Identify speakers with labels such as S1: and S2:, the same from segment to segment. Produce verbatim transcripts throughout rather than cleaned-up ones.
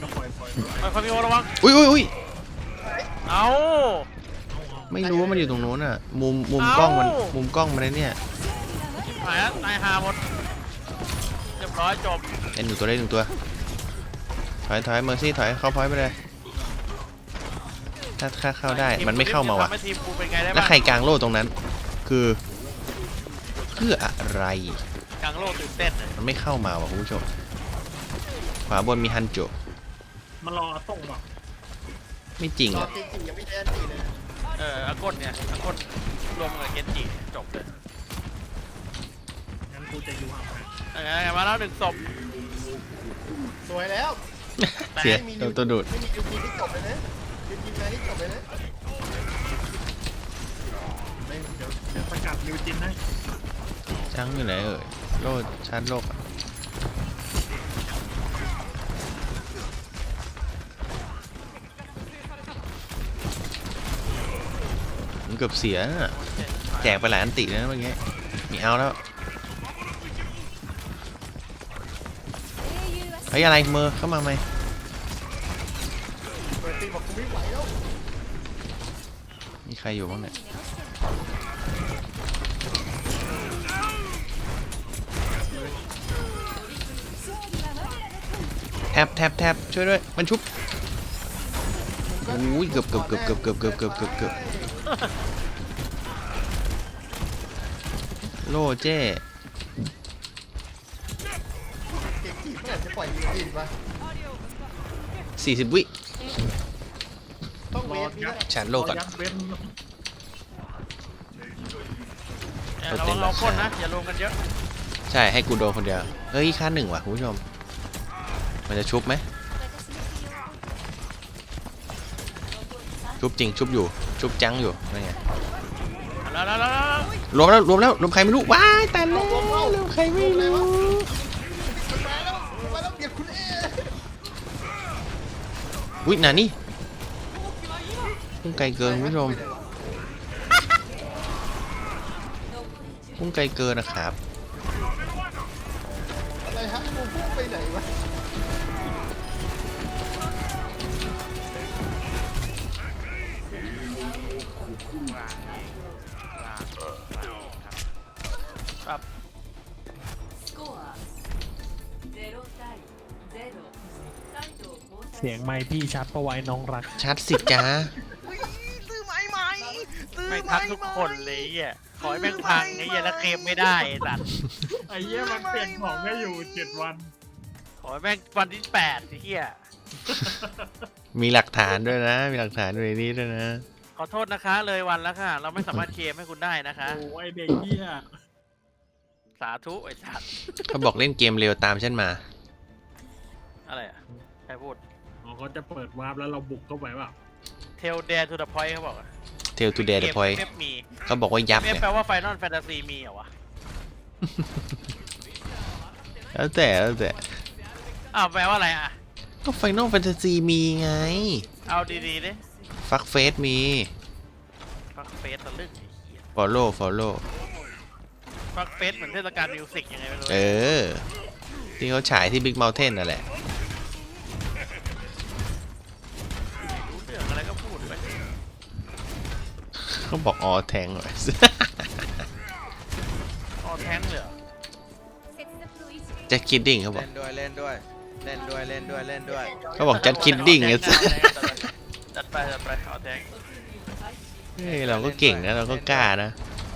S1: นะปล่อยปล่อย
S2: ไปคามิโอระวัง
S3: อุ้ยอุ้ยอุ้ย
S2: เอา
S3: ไม่รู้ว่ามันอยู่ตรงนู้นอ่ะ มุมมุมกล้องมันมุมกล้องมันเลยเนี่ย
S2: หายแล้วตายหาหมดเรียบร้อยจบ
S3: เอ็นหนึ่งตัวได้หนึ่งตัว ถอยถอยเมอร์ซี่ถอยเข้าพอยต์ไปเลย ถ้าค่าเข้าได้มันไม่เข้ามาว่ะ
S2: ทำให้ทีมกูเป็นไงได้
S3: แล้ว
S2: บ้าง
S3: ใครกลางโล่ตรงนั้น คือเพื่ออะไร
S2: กลางโลกตื่นเต้นเลย
S3: มันไม่เข้ามาว่ะคุณผู้ชม ขวาบนมีฮันโจ
S1: มันรอส่งแบบ
S3: ไม่จริง
S4: ตอน
S3: อ่ะ
S4: จริงๆยังไม่ได้ตีเลย
S2: เอออากดเนี่ยอากดรวมกับเกนจิจบเลย
S1: งั้นกูจะอยู่ห่าง
S2: ยังไงมาแล้วหนึ่งศพ
S4: สวยแล้ว
S3: เสีย
S4: ไม่มี
S3: ตัวตัวดูด
S4: ไม่มียูทีที่จบเลยนะยูทีมาที่จบเลยนะ
S1: ไม่เดี๋ยวเดี๋ยวสกัดนิวจินให้
S3: จังอยู่ไหนเอ่ยโล่ชาร์จโลกอะมันเกือบเสียน่ะแจกไปหลายอันติแล้วนะเมื่อกี้มีเอาแล้วเฮ้ยอะไรเมอร์เข้ามาไหม
S4: เปิดตีบอกกูไม่ไหวแล้ว
S3: มีใครอยู่บ้างเนี่ยแทบแทบแทบช่วยด้วยมันชุบอุ้ยเกือบเกือบเกือบเกือบเกือบเกือบเกือบเกือบเกือบโล่เจ้
S4: เก่งจีบเมื่อไหร่จะปล่อยยูทีปะ
S3: สี่สิบวิ
S4: ต้อง
S1: ร
S4: เว
S1: อ
S4: ทนี่
S1: ยั
S4: แห
S1: ด
S4: ละ
S3: ชาร์จโลกก่อน
S1: ยัดเว้น
S2: เนี่ยระวังเราคนนะอย่ารวมกันเยอะ
S3: ใช่ให้กูโดนคนเดียวเฮ้ยค่าหนึ่งว่ะคุณผู้ชมมันจะชุบไหมชุบจริงชุบอยู่ชุบจังอยู่นั่นไง
S2: แล้วแล้วแล้วแล้ว
S3: รวมแล้วรวมแล้วรวมใครไม่รู้ว้ายแต่แล้วรวมใครไม่รู้
S4: มันมาแล้วมันมาแล้วเบียดคุณเอ
S3: อุ้ยนานี่พุ่งไกลเกินคุณผู้ชมพุ่งไกลเกินนะครับ
S4: อะไรฮะกูพุ่งไปไหนวะ
S2: กลางเองกลางกลางครับครับ
S5: スコアゼロ対ゼロサイド交代
S1: เสียงไมค์พี่ชัดประไว้น้องรัก
S3: ชัดสิจ้า
S2: ซื้อไม้ไหมซื้อไม่ทักทุกคนเลยไอ้เหี้ยขอให้แม่งพังไอ้เหี้ยแล้วเคลมไม่ได้ไอ้สัตว์
S1: ไอ้เหี้ยมันเปลี่ยนของได้อยู่เจ็ดวัน
S2: ขอให้แม่งวันที่แปดไอ้เหี้ย
S3: มีหลักฐานด้วยนะ มีหลักฐานอยู่ในนี้ด้วยนะ
S2: ขอโทษนะคะเลยวันแล้วค่ะ เราไม่สามารถเคลมให้คุณได้นะคะ
S1: โอ้ยเด็กเหี้ย
S2: สาธุไอ้สัตว์
S3: เขาบอกเล่นเกมเร็วตามฉันมา
S2: อะไรอ่ะใครพูด
S1: อ๋อเขาจะเปิดวาร์ปแล้วเราบุกเข้าไปเปล่า
S2: เทลเด r ทูเดอะพอยต์เขาบอกอะ
S3: เทลทูเดย์เดอะพอย
S2: เอฟมี
S3: เขาบอกว่ายับ
S2: เอฟ
S3: เนี่ย
S2: แปลว่าไฟนอลแฟนตาซีมีเหรอวะ
S3: แล้วแต่แล้วแต่
S2: อ้าวแปลว่าอะไรอ่ะ
S3: ก็ไฟนอลแฟนตาซีมีไง
S2: เอาดีๆดิ
S3: ฟักเฟสมี
S2: ฟักเฟสตะลึงไอ้เหี้ย
S3: ฟอลโล่ฟอลโล่
S2: ฟักเฟสเหมือนเทศกาลมิวสิกยังไงไม่รู้
S3: เออ ที่เขาฉายที่บิ๊กเมลเทนนั่นแหละ
S2: รู้เรื่องอะไรก็พูดไป
S3: เขาบอกอ๋อแทงเลย
S2: อ๋อแท้งเลยเหรอ
S3: จัดคิดดิ้งเขาบอก
S4: เล่นด้วยเล่นด้วยเล่นด้วยเล่นด้วยเล่นด้วย
S3: เขาบอกจัดคิดดิ้งไง
S2: จัดไปจัดไปเอาแท้ง
S3: เฮ้ยเราก็เก่งนะเราก็กล้านะ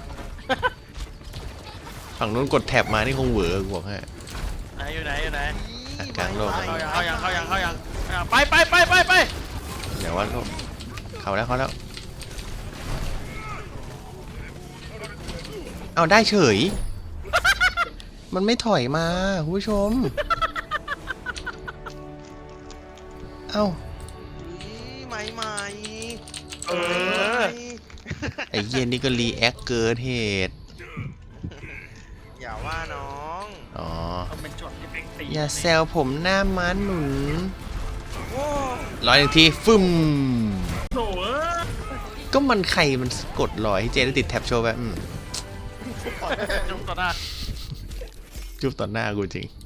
S3: ฝั่งนู้นกดแท็บมานี่คงเหวอกูบอกให้
S2: ไหนอยู่ไหนอยู่ไหน
S3: อ่ะกลางโลก
S2: เข้ายังเข้ายังเข้ายังเข้ายังอ่ะไปไปไปไปไป
S3: เดี๋ยวว่าโลกเขาแล้วเขาแล้ว เอาได้เฉย มันไม่ถอยมาคุณผู้ชม เอ้า
S4: ใหม่ใหม่
S2: เออ
S3: ไอ้เย็นนี่ก็รีแอคเกินเหตุ
S4: อย่าว่าน้อง
S3: อ๋อ
S1: ต้องเป็นช็อตที่เป็นตี
S3: อย่าแซวผมหน้าม้าหนุน
S4: โอ้
S3: ร้อยหนึ่งทีฟึ่ม
S1: โถ่เอ้ย
S3: ก็มันใครมันกดลอยให้เจได้ติดแท็บโชว์แบบอืม
S2: จุ๊บต่อหน้า
S3: จุ๊บต่อหน้ากูจริง